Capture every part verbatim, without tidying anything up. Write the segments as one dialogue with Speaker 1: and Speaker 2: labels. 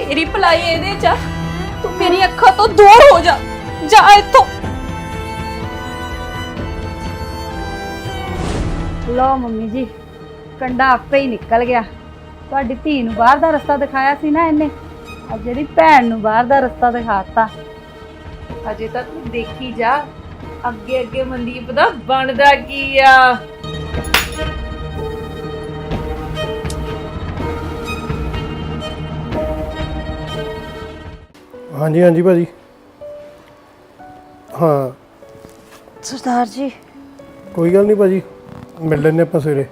Speaker 1: तेरी भलाई एदे च तू मेरी अखां तो दूर हो जा जा इत्थों।
Speaker 2: लो मम्मी जी कंडा आपे ही निकल गया। तुहाडी धी नूं बाहर दा रस्ता दिखाया सी ना इन्ने, अज जिहड़ी भैन नूं बाहर दा रस्ता दिखाता।
Speaker 1: अजे तक तू देखी जा अगे अगे मनदीप दा बनदा की आ।
Speaker 3: हाँ जी हाँ जी भाजी। हाँ
Speaker 2: सरदार जी
Speaker 3: कोई गल नहीं भाजी, मिल लेने आप सवेरे।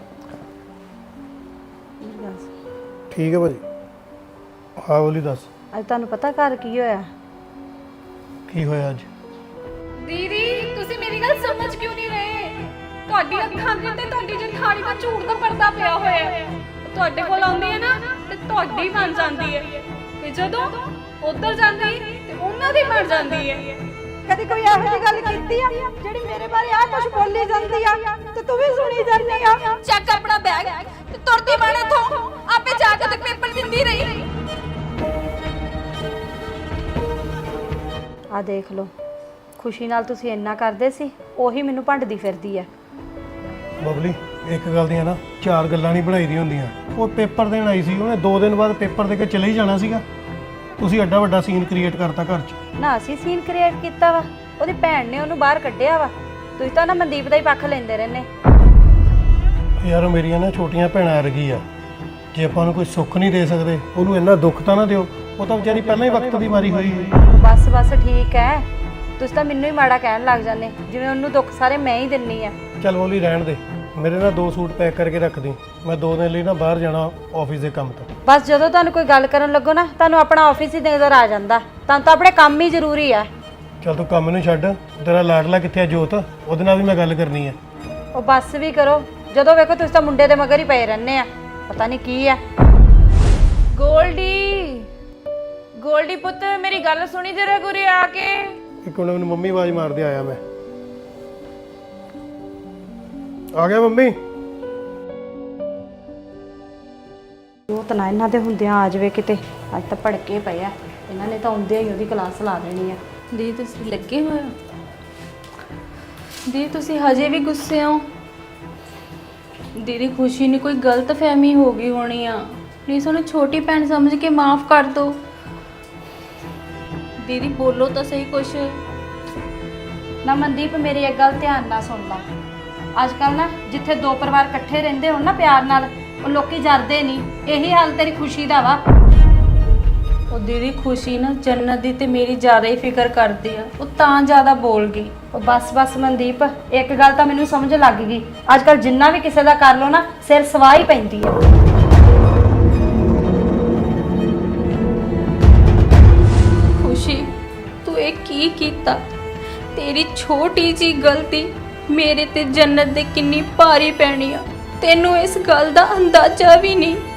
Speaker 3: ठीक है भाजी। हाँ बोली दस
Speaker 2: अज तुहानूं पता घर की होया?
Speaker 3: की होया अज?
Speaker 1: दीदी तुसी मेरी गल समझ क्यों नहीं रहे? ਤੁਹਾਡੀ ਅੱਖਾਂ ਦੇ ਤੇ ਤੁਹਾਡੀ ਜਠਾਣੀ ਦਾ ਝੂਠ ਦਾ ਪਰਦਾ ਪਿਆ ਹੋਇਆ ਹੈ। ਤੁਹਾਡੇ ਕੋਲ ਆਉਂਦੀ ਹੈ ਨਾ ਤੇ ਤੁਹਾਡੀ ਬਣ ਜਾਂਦੀ ਹੈ, ਤੇ ਜਦੋਂ ਉਧਰ ਜਾਂਦੀ ਤੇ ਉਹਨਾਂ ਦੀ ਬਣ ਜਾਂਦੀ ਹੈ।
Speaker 2: कदी कोई ਇਹੋ ਜਿਹੀ ਗੱਲ ਕੀਤੀ ਆ ਜਿਹੜੀ ਮੇਰੇ ਬਾਰੇ ਆ ਕੁਝ ਬੋਲੀ ਜਾਂਦੀ ਆ ਤੇ ਤੂੰ ਵੀ ਸੁਣੀ ਜਾਂਦੀ ਆ?
Speaker 1: ਚੱਕ ਆਪਣਾ ਬੈਗ ਤੇ ਤੁਰਦੀ ਬਣ ਇੱਥੋਂ, ਆਪੇ ਜਾ ਕੇ ਤੇ ਪੇਪਰ ਦਿੰਦੀ ਰਹੀ।
Speaker 2: ਆ ਦੇਖ ਲਓ, ਖੁਸ਼ੀ ਨਾਲ ਤੁਸੀਂ ਇੰਨਾ ਕਰਦੇ ਸੀ, ਉਹੀ ਮੈਨੂੰ ਭੰਡਦੀ ਫਿਰਦੀ ਆ।
Speaker 3: ਬਬਲੀ ਇੱਕ ਗੱਲ ਦੀਆਂ ਨਾ ਚਾਰ ਗੱਲਾਂ ਨਹੀਂ ਬਣਾਈ ਦੀਆਂ ਹੁੰਦੀਆਂ। ਉਹ ਪੇਪਰ ਦੇਣ ਆਈ ਸੀ, ਉਹਨੇ ਦੋ ਦਿਨ ਬਾਅਦ ਪੇਪਰ ਦੇ ਕੇ ਚਲੇ ਹੀ ਜਾਣਾ ਸੀਗਾ। ਤੁਸੀਂ ਐਡਾ ਵੱਡਾ ਸੀਨ ਕ੍ਰੀਏਟ ਕਰਤਾ ਘਰ 'ਚ।
Speaker 2: ਨਾ ਅਸੀਂ ਸੀਨ ਕ੍ਰੀਏਟ ਕੀਤਾ ਵਾ, ਉਹਦੀ ਭੈਣ ਨੇ ਉਹਨੂੰ ਬਾਹਰ ਕੱਢਿਆ ਵਾ। ਤੁਸੀਂ ਤਾਂ ਨਾ ਮਨਦੀਪ ਦਾ ਹੀ ਪੱਖ ਲੈਂਦੇ ਰਹਿੰਦੇ।
Speaker 3: ਯਾਰ ਉਹ ਮੇਰੀਆਂ ਨਾ ਛੋਟੀਆਂ ਭੈਣਾਂ ਵਰਗੀ ਆ, ਜੇ ਆਪਾਂ ਨੂੰ ਕੋਈ ਸੁੱਖ ਨਹੀਂ ਦੇ ਸਕਦੇ ਉਹਨੂੰ ਇੰਨਾ ਦੁੱਖ ਤਾਂ ਨਾ ਦਿਓ। ਉਹ ਤਾਂ ਵਿਚਾਰੀ ਪਹਿਲਾਂ ਹੀ ਵਕਤ ਦੀ ਮਾਰੀ ਹੋਈ ਹੈ।
Speaker 2: ਬਸ ਬਸ ਠੀਕ ਹੈ, ਤੁਸੀਂ ਤਾਂ ਮੈਨੂੰ ਹੀ ਮਾੜਾ ਕਹਿਣ ਲੱਗ ਜਾਂਦੇ, ਜਿਵੇਂ ਉਹਨੂੰ ਦੁੱਖ ਸਾਰੇ ਮੈਂ ਹੀ ਦਿੰਨੀ ਆ।
Speaker 3: ਚੱਲ ਬੋਲੀ ਰਹਿਣ ਦੇ, ਮੇਰੇ ਨਾਲ ਦੋ ਸੂਟ ਪੈਕ ਕਰਕੇ ਰੱਖ ਦੀ, ਮੈਂ ਦੋ ਦਿਨ ਲਈ ਨਾ ਬਾਹਰ ਜਾਣਾ ਆਫਿਸ ਦੇ ਕੰਮ ਤੋਂ।
Speaker 2: ਬਸ ਜਦੋਂ ਤੁਹਾਨੂੰ ਕੋਈ ਗੱਲ ਕਰਨ ਲੱਗੋ ਨਾ, ਤੁਹਾਨੂੰ ਆਪਣਾ ਆਫਿਸ ਹੀ ਨਜ਼ਰ ਆ ਜਾਂਦਾ। ਤੁਹਾਨੂੰ ਤਾਂ ਆਪਣੇ ਕੰਮ ਹੀ ਜ਼ਰੂਰੀ ਆ।
Speaker 3: ਚੱਲ ਤੂੰ ਕੰਮ ਨੂੰ ਛੱਡ, ਤੇਰਾ ਲਾਡਲਾ ਕਿੱਥੇ ਆ ਜੋਤ, ਉਹਦੇ ਨਾਲ ਵੀ ਮੈਂ ਗੱਲ ਕਰਨੀ ਹੈ।
Speaker 2: ਉਹ ਬੱਸ ਵੀ ਕਰੋ, ਜਦੋਂ ਵੇਖੋ ਤੁਸੀਂ ਤਾਂ ਮੁੰਡੇ ਦੇ ਮਗਰ ਹੀ ਪਏ ਰਹਿੰਦੇ ਆ, ਪਤਾ ਨਹੀਂ ਕੀ ਆ।
Speaker 1: ਗੋਲਡੀ ਗੋਲਡੀ ਪੁੱਤ ਮੇਰੀ ਗੱਲ ਸੁਣੀ ਜਰਾ ਗੁਰੇ ਆ ਕੇ।
Speaker 3: ਇੱਕ ਮਿੰਟ, ਮੈਨੂੰ ਮੰਮੀ ਆਵਾਜ਼ ਮਾਰਦੇ ਆਇਆ, ਮੈਂ ਆ ਗਿਆ ਮੰਮੀ।
Speaker 2: ਉਹ ਤਾਂ ਨਾ ਇਹਨਾਂ ਦੇ ਹੁੰਦਿਆਂ ਆ ਜਾਵੇ ਕਿਤੇ, ਅੱਜ ਤਾਂ ਭੜਕੇ ਪਏ ਆ ਇਹਨਾਂ ਨੇ, ਤਾਂ ਆਉਂਦਿਆਂ ਹੀ ਉਹਦੀ ਕਲਾਸ ਲਾ ਦੇਣੀ ਆ।
Speaker 1: ਦੀ ਤੁਸੀਂ ਲੱਗੇ ਹੋਏ ਹੋ? ਦੀ ਤੁਸੀਂ ਹਜੇ ਵੀ ਗੁੱਸੇ ਹੋ? ਦੀਦੀ ਖੁਸ਼ੀ ਨੇ ਕੋਈ ਗਲਤ ਫਹਿਮੀ ਹੋ ਗਈ ਹੋਣੀ ਆ, ਪਲੀਜ਼ ਉਹਨੂੰ ਛੋਟੀ ਭੈਣ ਸਮਝ ਕੇ ਮਾਫ ਕਰ ਦਿਓ। ਦੀਦੀ ਬੋਲੋ ਤਾਂ ਸਹੀ ਕੁਛ।
Speaker 2: ਨਾ ਮਨਦੀਪ ਮੇਰੀ ਇੱਕ ਗੱਲ ਧਿਆਨ ਨਾਲ ਸੁਣ ਲਾ, ਅੱਜ ਕੱਲ ਨਾ ਜਿੱਥੇ ਦੋ ਪਰਿਵਾਰ ਇਕੱਠੇ ਰਹਿੰਦੇ ਹੋਣ ਨਾ ਪਿਆਰ ਨਾਲ, ਉਹ ਲੋਕੀ ਜਰਦੇ ਨਹੀਂ। ਇਹੀ ਹਾਲ ਤੇਰੀ ਖੁਸ਼ੀ ਦਾ ਵਾ।
Speaker 1: ਉਹ ਦੀਦੀ ਖੁਸ਼ੀ ਨਾ ਜੰਨਤ ਦੀ ਤੇ ਮੇਰੀ ਜ਼ਿਆਦਾ ਹੀ ਫਿਕਰ ਕਰਦੀ ਆ, ਉਹ ਤਾਂ ਜ਼ਿਆਦਾ ਬੋਲ ਗਈ।
Speaker 2: ਉਹ ਬਸ ਬਸ ਮਨਦੀਪ, ਇੱਕ ਗੱਲ ਤਾਂ ਮੈਨੂੰ ਸਮਝ ਲੱਗ ਗਈ, ਅੱਜ ਕੱਲ ਜਿੰਨਾ ਵੀ ਕਿਸੇ ਦਾ ਕਰ ਲੋ ਨਾ ਸਿਰ ਸਵਾਹ ਹੀ ਪੈਂਦੀ ਆ।
Speaker 1: ਖੁਸ਼ੀ ਤੂੰ ਇਹ ਕੀ ਕੀਤਾ? ਤੇਰੀ ਛੋਟੀ ਜੀ ਗਲਤੀ ਮੇਰੇ ਤੇ ਜੰਨਤ ਦੇ ਕਿੰਨੀ ਭਾਰੀ ਪੈਣੀ ਆ, ਤੈਨੂੰ ਇਸ ਗੱਲ ਦਾ ਅੰਦਾਜ਼ਾ ਵੀ ਨਹੀਂ।